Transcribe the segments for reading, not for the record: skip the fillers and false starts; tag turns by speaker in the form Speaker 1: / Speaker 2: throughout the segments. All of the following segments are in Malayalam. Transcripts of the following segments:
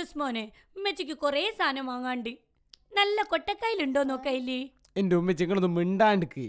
Speaker 1: റിസ്മോനെ ഉമ്മച്ചിക്ക് കൊറേ സാധനം വാങ്ങാണ്ട്. നല്ല കൊട്ടക്കൈലുണ്ടോ നോക്കയില്ലേ?
Speaker 2: എന്റെ ഉമ്മച്ചി നിങ്ങളൊന്നും മിണ്ടാണ്ടിക്ക്.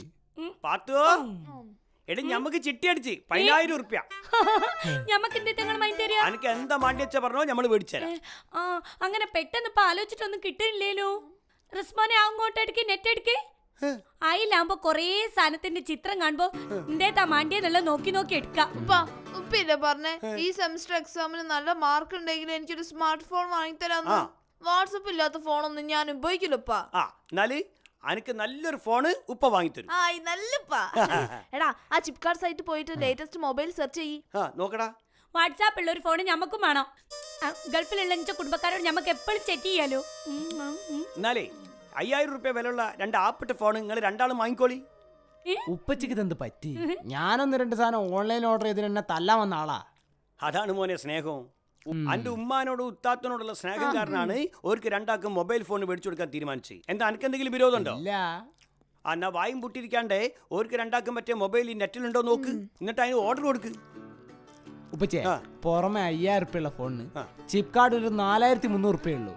Speaker 3: എടി ഞമ്മക്ക് ചിട്ടി അടിച്ച് 10,000 ഉറുപ്പ്യ.
Speaker 1: ഞമ്മക്ക്
Speaker 3: അനക്ക് എന്താ മാണ്ടി വെച്ചാ പറഞ്ഞോ ഞമ്മള് മേടിച്ചേരാം.
Speaker 1: അങ്ങനെ പെട്ടെന്ന് ഇപ്പൊ ആലോചിച്ചിട്ടൊന്നും കിട്ടില്ലല്ലോ. റിസ്മോനെ അങ്ങോട്ടെടുക്ക് നെറ്റ് എടുക്ക്. അയിലാകുമ്പോ കൊറേ സാധനത്തിന്റെ ചിത്രം കാണുമ്പോ എന്തേതാ മാണ്ടിയെന്നുള്ള നോക്കി നോക്കി എടുക്കാം.
Speaker 4: ഉപ്പില്ല പറഞ്ഞേ ഈ സെമസ്റ്റർ എക്സാമിന് നല്ല മാർക്ക് ഉണ്ടെങ്കിൽ എനിക്കൊരു സ്മാർട്ട് ഫോൺ വാങ്ങിത്തരാന്ന്. വാട്സപ്പ് ഇല്ലാത്ത ഫോണൊന്നും ഞാൻ ഉപയോഗിക്കില്ലപ്പാ.
Speaker 3: എന്നാല് അനക്ക് നല്ലൊരു ഫോണ് ഉപ്പ വാങ്ങിത്തരും.
Speaker 4: എടാ ആ ചിപ്കാർട്ട് സൈറ്റ് പോയിട്ട് ലേറ്റസ്റ്റ് മൊബൈൽ സെർച്ച് ചെയ്യ്.
Speaker 3: നോക്കടാ.
Speaker 1: വാട്സാപ്പ് ഉള്ള ഒരു ഫോണ് ഞമ്മക്കും വേണം. ഗൾഫിലുള്ള കുടുംബക്കാരോട് ഞമ്മക്ക് എപ്പോഴും ചെക്ക് ചെയ്യാലോ.
Speaker 3: എന്നാലേ 5,000 ഉറുപ്പ്യ വിലയുള്ള 2 ആപ്പിട്ട ഫോൺ നിങ്ങൾ രണ്ടാളും വാങ്ങിക്കോളി.
Speaker 2: ഉപ്പച്ചിക്ക് ഇതെന്ത് പറ്റി? ഞാനൊന്ന് 2 സാധനം ഓൺലൈൻ ഓർഡർ ചെയ്തിട്ട് എന്നെ തല്ലാൻ വന്ന ആളാ.
Speaker 3: അതാണ് മോനെ സ്നേഹം. അന്റെ ഉമ്മാനോടും ഉത്താത്തനോടുള്ള സ്നേഹം കാരണമാണ് ഓർക്ക് രണ്ടാക്കും മൊബൈൽ ഫോൺ മേടിച്ചു കൊടുക്കാൻ തീരുമാനിച്ചത്. എന്താ അനക്ക് എന്തെങ്കിലും വിരോധമുണ്ടോ? എന്നാ വായും പൊട്ടിരിക്കാണ്ടേ ഓർക്ക് രണ്ടാക്കും പറ്റിയ മൊബൈൽ ഈ നെറ്റിലുണ്ടോ നോക്ക്, എന്നിട്ട് അതിന് ഓർഡർ കൊടുക്ക്.
Speaker 2: ഉപ്പച്ചേ പുറമെ 5,000 ഉറുപ്പ്യുള്ള ഫോണിന് ചിപ്കാർട്ട് ഒരു 4,300 ഉറുപ്പ്യുള്ളൂ.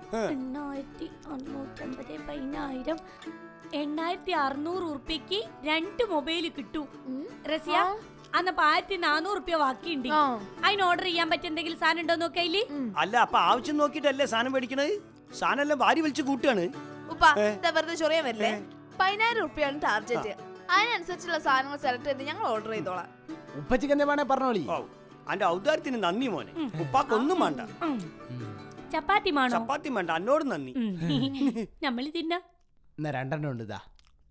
Speaker 1: 8,600 ഉറുപ്പ്യക്ക് 2 മൊബൈൽ കിട്ടും. റസിയ അന്നപ്പോ 1,400 ഉറുപ്പ്യ ബാക്കിയുണ്ട്. അതിന് ഓർഡർ ചെയ്യാൻ പറ്റിയ എന്തെങ്കിലും സാധനം ഉണ്ടോ നോക്കയില്?
Speaker 3: അല്ല അപ്പൊ ആവശ്യം നോക്കിട്ടല്ലേ സാധനം മേടിക്കണത്. സാധനം എല്ലാം വാരി വലിച്ചു കൂട്ടുകയാണ്.
Speaker 4: വെറുതെ ചൊറിയാൻ വരില്ലേ? 10,000 ഉറുപ്പ്യാണ് ടാർജറ്റ്. അതിനനുസരിച്ചുള്ള സാധനങ്ങൾ സെലക്ട് ചെയ്ത് ഞങ്ങൾ ഓർഡർ ചെയ്തോളാം.
Speaker 2: ഉപ്പച്ചിക്ക് എന്താ വേണേ പറഞ്ഞോളി.
Speaker 3: അന്റെ ഔദാര്യത്തിന് നന്ദി മോനെ. ഉപ്പാക്കൊന്നും വേണ്ട.
Speaker 1: ചപ്പാത്തി
Speaker 3: വേണ്ട, എന്നോട് നന്ദി.
Speaker 1: നമ്മള് തിന്ന
Speaker 2: 2 ഉണ്ട്. ഇതാ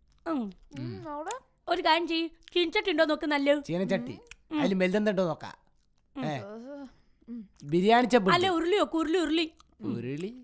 Speaker 1: ഒരു കാര്യം ചെയ്യ്, ചീനച്ചട്ടുണ്ടോ നോക്ക്. നല്ല
Speaker 2: ചീനച്ചട്ടി അതിൽ മെൽതെന്തോ നോക്കാം. ബിരിയാണി ചപ്പ്
Speaker 1: അല്ല ഉരുളി ഉരുളി
Speaker 2: ഉരുളി